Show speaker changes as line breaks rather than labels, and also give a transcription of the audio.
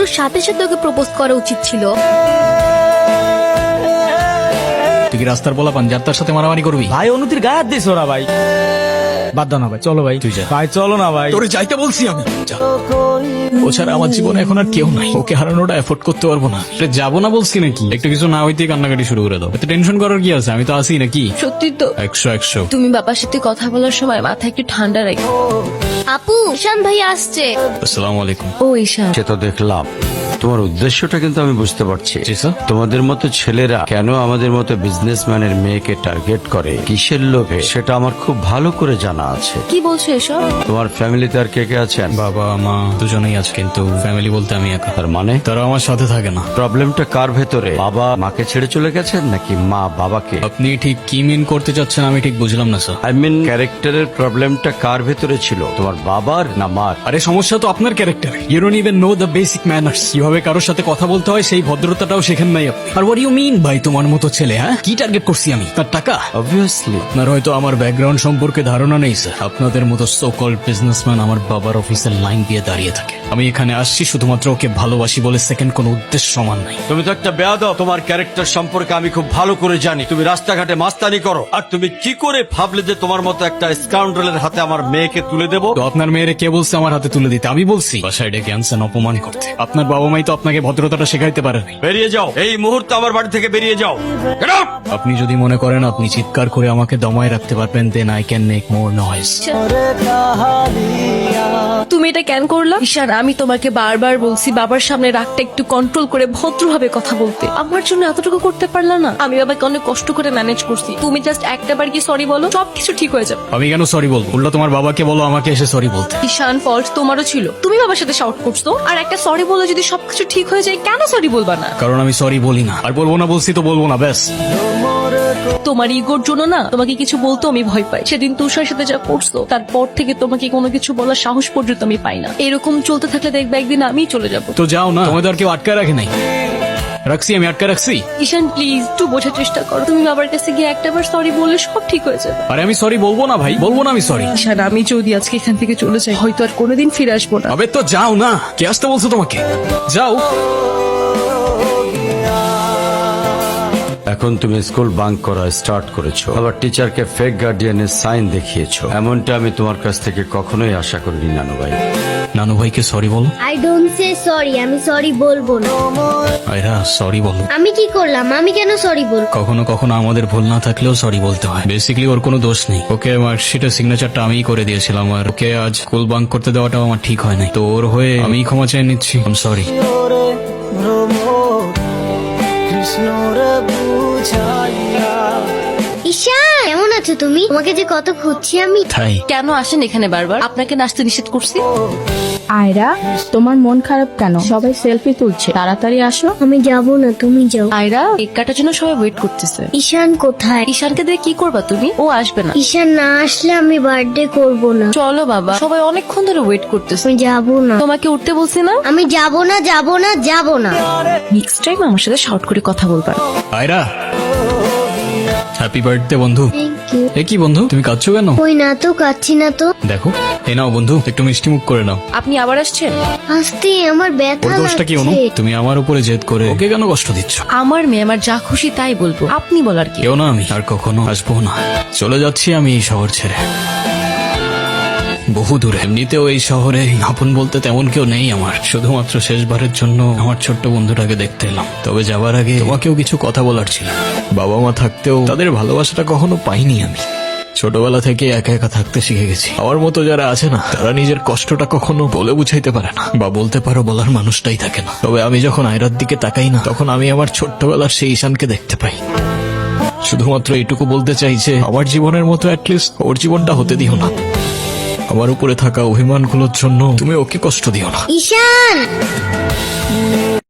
সাথে সাথে ওকে প্রপোজ করা উচিত ছিল।
তুই কি রাস্তার বলা পান যার তার সাথে মারামারি করবি?
ভাই অনুতির গায়ে হাত দিস ওরা ভাই। বাদ দাও না ভাই, চলো ভাই।
তুই যা।
ভাই চলো না ভাই।
তোরে যাইতে বলছি আমি। যা। ও ছাড়া আমার জীবনে এখন আর কেউ নাই, ওকে হারানোটা এফোর্ড করতে পারবো না। যাবো না বলছি নাকি? একটু কিছু না হইতে কান্নাকাটি শুরু করে দাও। এতে টেনশন করার কি আছে? আমি তো আসি নাকি।
সত্যি তো
100
তুমি বাবার সাথে কথা বলার সময় মাথা একটু ঠান্ডা রাখো। আপু, ঈশান ভাই আসছে।
আসসালামু আলাইকুম।
ও ঈশান,
সে তো দেখলাম, তোমার উদ্দেশ্যটা কিন্তু আমি বুঝতে পারছি।
জি স্যার।
তোমাদের মতো ছেলেরা কেন আমাদের মতো বিজনেসম্যানের মেয়েকে টার্গেট করে, কিসের লোভে, সেটা আমার খুব ভালো করে জানা আছে।
কি বলছো এসব?
তোমার ফ্যামিলিতে আর কে কে আছেন?
বাবা মা দুজনেই আছে, কিন্তু ফ্যামিলি বলতে আমি একা।
তার মানে
তারা আমার সাথে থাকে না।
প্রবলেমটা কার ভেতরে? বাবা মাকে ছেড়ে চলে গেছেন নাকি মা বাবাকে?
আপনি ঠিক কি মিন করতে চাচ্ছেন আমি ঠিক বুঝলাম না স্যার।
আই মিন ক্যারেক্টারের প্রবলেমটা কার ভেতরে ছিল, তোমার বাবার না মার?
আরে সমস্যা তো আপনার character. You don't even know the basic manners. কিভাবে কারোর সাথে কথা বলতে হয় সেই ভদ্রতাটাও শেখেন নাই আপনি। আর হোয়াট ইউ মিন ভাই তোমার মতো ছেলে? হ্যাঁ, কি টার্গেট করছি আমি? তার টাকা?
অবভিয়াসলি।
আপনার হয়তো আমার ব্যাকগ্রাউন্ড সম্পর্কে ধারণা নেই স্যার। আপনাদের মতো সো কল্ড বিজনেসম্যান আমার বাবার অফিসের লাইন দিয়ে দাঁড়িয়ে থাকে। আমি এখানে আসছি শুধুমাত্র ওকে ভালোবাসি বলে, সেকেন্ড কোনো উদ্দেশ্য সমান নাই।
তুমি তো একটা বেয়াদব। তোমার ক্যারেক্টার সম্পর্কে আমি খুব ভালো করে জানি। তুমি রাস্তাঘাটে মাস্তানি করো, আর তুমি কি করে ভাবলে যে তোমার মতো একটা স্কাউন্ডারের হাতে আমার মেয়েকে তুলে দেবো?
তো আপনার মেয়েরে কে বলছে আমার হাতে তুলে দিতে? আমি বলছি বাসায় ডেকে আনছেন অপমান করতে। আপনার বাবা মাই তো আপনাকে ভদ্রতাটা শেখাইতে পারেনি।
বেরিয়ে যাও, এই মুহূর্তে আমার বাড়ি থেকে বেরিয়ে যাও। Get out!
আপনি যদি মনে করেন আপনি চিৎকার করে আমাকে দমায় রাখতে পারবেন, then I can make more noise.
তুমি এটা কেন করলা? ঈশান, আমি তোমাকে বারবার বলছি বাবার সামনে রাগটা একটু কন্ট্রোল করে ভদ্রভাবে কথা বলতে। আমার জন্য এতটুকু করতে পারলা না? আমি বাবাকে অনেক কষ্ট করে ম্যানেজ করছি। তুমি জাস্ট একটা বার গিয়ে সরি বলো, সবকিছু ঠিক হয়ে যাবে।
আমি কেন সরি বলবো? উল্টা তোমার বাবাকে বলো আমাকে এসে সরি বলতে।
ঈশান, ফল্ট তোমারও ছিল। তুমি বাবার সাথে শাউট করছো, আর একটা সরি বলে যদি সবকিছু ঠিক হয়ে যায়, কেন সরি বলবা না?
কারণ আমি সরি বলি না, আর বলবো না। বলছি তো বলবো না, ব্যাস।
তোমার ইগোর জন্য না তোমাকে কিছু বলতে আমি ভয় পাই। সেদিন তুষার সাথে যা করছো, তারপর থেকে তোমাকে কোনো কিছু বলার সাহস পর্যন্ত আমি পাই না। এরকম চলতে থাকলে দেখবে একদিন আমিই চলে যাব।
তো যাও না, তোমাদের আর কেউ আটকায় রাখে নাই। রাখছি, আমি আটকা রাখছি।
ঈশান প্লিজ একটু বোঝার চেষ্টা করো। তুমি বাবার কাছে গিয়ে একটাবার সরি বললে সব ঠিক হয়ে যাবে।
আরে আমি সরি বলবো না ভাই, বলবো না আমি সরি।
ঈশান, আমি যদি আজকে এখান থেকে চলে যাই, হয়তো আর কোনোদিন ফিরে আসবো না।
আবে তো যাও না, কে আসতে বলছো তোমাকে? যাও।
এখন তুমি স্কুল বাঙ্ক করা স্টার্ট করেছো, আবার টিচারকে ফেক গার্ডিয়ানের সাইন দেখিয়েছো। এমনটা আমি তোমার কাছ থেকে কখনোই আশা করিনি নানু ভাই।
নানু ভাইকে সরি বলো।
আই ডোন্ট সে সরি, আমি সরি বলবো না।
আয়রা সরি বলো।
আমি কি করলাম? আমি কেন সরি বলবো?
কখনো কখনো আমাদের ভুল না থাকলেও সরি বলতে হয়। বেসিক্যালি ওর কোনো দোষ নেই। ওকে মার্কশিটের সিগনেচারটা আমিই করে দিয়েছিলাম, আর ওকে আজ স্কুল বাঙ্ক করতে দেওয়াটাও আমার ঠিক হয় নাই। তো ওর হয়ে আমি ক্ষমা চেয়ে নিচ্ছি। I am sorry.
ঈশান, কেমন আছো তুমি? তোমাকে যে কত খুঁজছি আমি।
তাই
কেন আসেন এখানে বারবার? আপনাকে নাচতে নিষেধ করছি।
আয়রা, তোমার মন খারাপ কেন? সবাই সেলফি তুলছে, তাড়াতাড়ি আসো।
আমি যাব না, তুমি যাও।
আয়রা, কেক কাটার জন্য সবাই ওয়েট করতেছে।
ঈশান কোথায়?
ঈশানকে দিয়ে কি করবা তুমি? ও আসবে না।
ঈশান না আসলে আমি বার্থডে করব না।
চলো বাবা, সবাই অনেকক্ষণ ধরে ওয়েট করতেছে।
আমি যাব না।
তোমাকে উঠতে বলছি না?
আমি যাব না, যাব না, যাব না।
নেক্সট টাইম আমার সাথে শর্ট করে কথা বলবা।
আয়রা, হ্যাপি বার্থডে বন্ধু।
Thank you.
এ কি বন্ধু, তুমি কাঁদছো কেন?
কই না তো, কাচ্ছি না তো।
দেখো, এ নাও বন্ধু, একটু মিষ্টি মুখ করে নাও।
আপনি আবার আসছেন?
আসতে আমার
ওর
ব্যথা
দোষটা কি অনু?
লাগছে।
তুমি আমার উপরে জেদ করে ওকে কেন কষ্ট দিচ্ছ?
আমার মেয়ে, আমার যা খুশি তাই বলবো। আপনি বলার কি?
কেউ না, আমি আর কখনো আসবো না। চলে যাচ্ছি আমি এই শহর ছেড়ে, বহু দূরে। এমনিতেও এই শহরে আপন বলতে তেমন কেউ নেই আমার। শুধুমাত্র শেষবারের জন্য আমার ছোট্ট বন্ধুটাকে দেখতে এলাম। তবে যাবার আগে তোমাকেও কিছু কথা বলার ছিল। বাবা মা থাকতেও তাদের ভালোবাসাটা কখনো পাইনি আমি। ছোটবেলা থেকে একা একা থাকতে শিখে গেছি। আমার মতো যারা আছে না, তারা নিজের কষ্টটা কখনো বলে বুঝাইতে পারে না, বা বলতে পারো বলার মানুষটাই থাকে না। তবে আমি যখন আয়রার দিকে তাকাই না, তখন আমি আমার ছোট্টবেলার সেই ঈশানকে দেখতে পাই। শুধুমাত্র এইটুকু বলতে চাই যে আমার জীবনের মতো অ্যাটলিস্ট ওর জীবনটা হতে দিও না। আমার উপরে থাকা অভিমানগুলোর জন্য তুমি ওকে কষ্ট দিও না।
ঈশান।